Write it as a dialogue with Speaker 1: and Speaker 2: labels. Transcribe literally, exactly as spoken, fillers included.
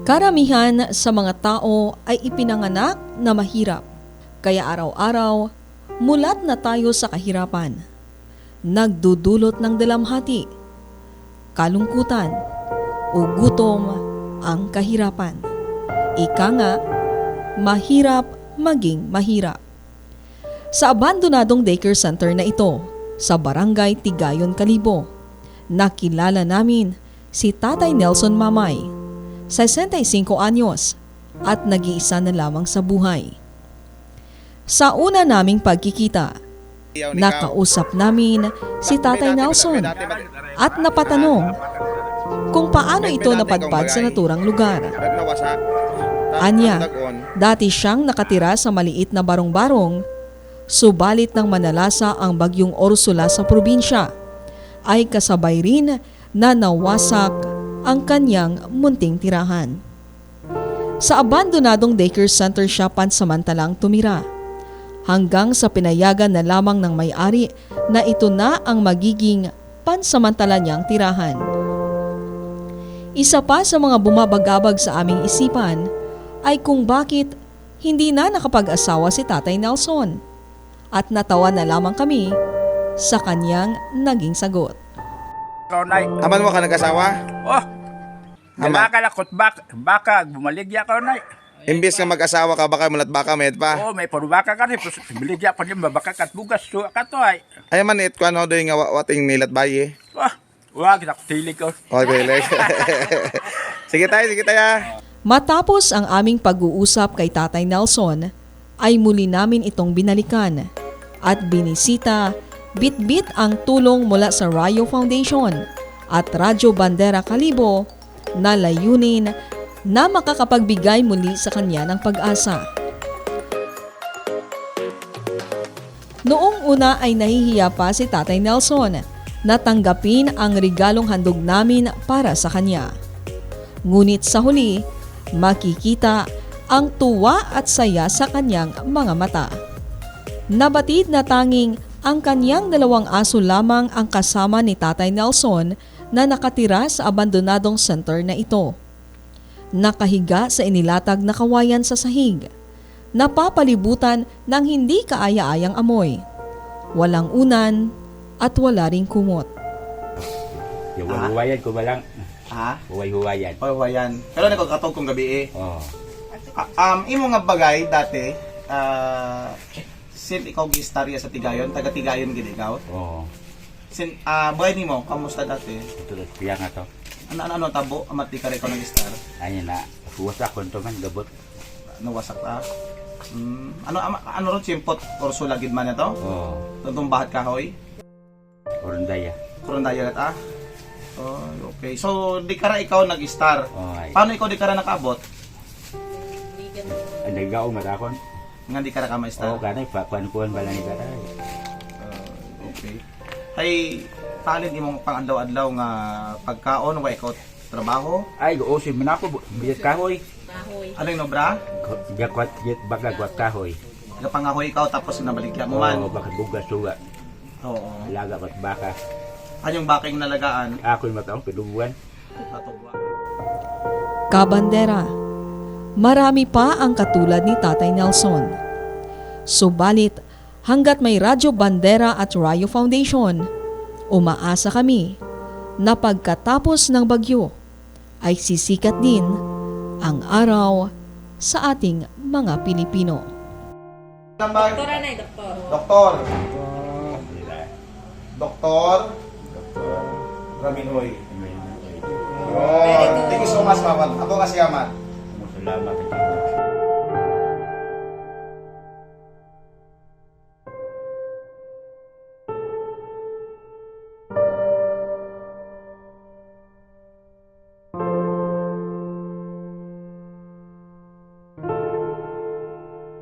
Speaker 1: Karamihan sa mga tao ay ipinanganak na mahirap, kaya araw-araw mulat na tayo sa kahirapan. Nagdudulot ng dalamhati, kalungkutan o gutom ang kahirapan. Ika nga, mahirap maging mahirap. Sa abandonadong daycare center na ito, sa Barangay Tigayon, Kalibo, nakilala namin si Tatay Nelson Mamay, sesenta y cinco anyos at nag-iisa na lamang sa buhay. Sa una naming pagkikita, nakausap namin si Tatay Nelson at napatanong kung paano ito napadpad sa naturang lugar. Anya, dati siyang nakatira sa maliit na barong-barong, subalit nang manalasa ang bagyong Ursula sa probinsya, ay kasabay rin na nawasak ang kanyang munting tirahan. Sa abandonadong daycare center siya pansamantalang tumira, hanggang sa pinayagan na lamang ng may-ari na ito na ang magiging pansamantala niyang tirahan. Isa pa sa mga bumabagabag sa aming isipan ay kung bakit hindi na nakapag-asawa si Tatay Nelson, at natawa na lamang kami sa kanyang naging sagot.
Speaker 2: Aman mo ka nag-asawa?
Speaker 3: Oh, baka lakot baka, baka bumaligya ka na.
Speaker 2: Imbis nga mag-asawa ka, baka mulat baka med pa.
Speaker 3: Oh, may puro baka ka rin. Bumaligya pa din, baka kat bugas. So, ka to ay.
Speaker 2: Ay man it, kung ano doon nga wa- wating nilat bayi.
Speaker 3: Oh, wag, nakutilig ko.
Speaker 2: Okay, like. Sige tayo, sige tayo.
Speaker 1: Matapos ang aming pag-uusap kay Tatay Nelson, ay muli namin itong binalikan at binisita, bit-bit ang tulong mula sa Rayo Foundation at Radyo Bandera Kalibo na layunin na makakapagbigay muli sa kanya ng pag-asa. Noong una ay nahihiya pa si Tatay Nelson na tanggapin ang regalong handog namin para sa kanya. Ngunit sa huli, makikita ang tuwa at saya sa kanyang mga mata. Nabatid na tanging ang kanyang dalawang aso lamang ang kasama ni Tatay Nelson na nakatira sa abandonadong center na ito. Nakahiga sa inilatag na kawayan sa sahig, napapalibutan ng hindi kaaya-ayang amoy. Walang unan at wala ring kumot.
Speaker 4: Yung huwayan ko ba lang?
Speaker 5: Ha?
Speaker 4: Huway-huwayan.
Speaker 5: O, huwayan. Pero nagkakatog kong gabi eh.
Speaker 4: Oo.
Speaker 5: Ah, um, imo nga bagay dati, ah, sin ikaw gistarya sa Tigayon, taga Tigayon gid ikaw.
Speaker 4: Oo.
Speaker 5: Sin ah bagay nimo, kamusta dati?
Speaker 4: Ito na piya nga to.
Speaker 5: Ano ano, ano tabo, amat di ka rin ikaw nag-star.
Speaker 4: Ayun na. Huwas ako ito man, gabot.
Speaker 5: Ano wasak ta? Hmm, ano ama, ano ron simpot Ursula gid man ito?
Speaker 4: Oo.
Speaker 5: Tuntong bahat kahoy.
Speaker 4: Orundaya.
Speaker 5: Kurundaya ata. Oh, okay. So di ka ra ikaw nag-star.
Speaker 4: Oo ay.
Speaker 5: Paano ikaw di ka ra nakaabot?
Speaker 4: Ang nagaw matakon.
Speaker 5: Nga di ka ra ka ma-star.
Speaker 4: Oo, kanay. Pakuan-kuan ba lang ni karay.
Speaker 5: Uh, okay. Hay, talent imong pang-adlaw-adlaw nga pagkaon wa ikaw trabaho?
Speaker 4: Ay, goosin mo na ako. Biyat kahoy.
Speaker 5: Ano yung nobra?
Speaker 4: Gakwat, yet baga gwat kahoy.
Speaker 5: Napangahoy ikaw tapos nabaligya mo man.
Speaker 4: Oo, bakit bugas suga.
Speaker 5: Oo.
Speaker 4: Laga ba't baka.
Speaker 5: Anyong baking nalagaan?
Speaker 4: Ako'y mataong pilubuan.
Speaker 5: Natugwa.
Speaker 1: Kabandera, marami pa ang katulad ni Tatay Nelson. Subalit, hanggat may Radyo Bandera at Rayo Foundation, umaasa kami na pagkatapos ng bagyo ay sisikat din ang araw sa ating mga Pilipino.
Speaker 5: Doktor
Speaker 6: Doktor na doktor.
Speaker 5: Doktor. Doktor. Raminoy. Oh, thank you so much, Mama. Ako kasi amat.
Speaker 4: Salamat.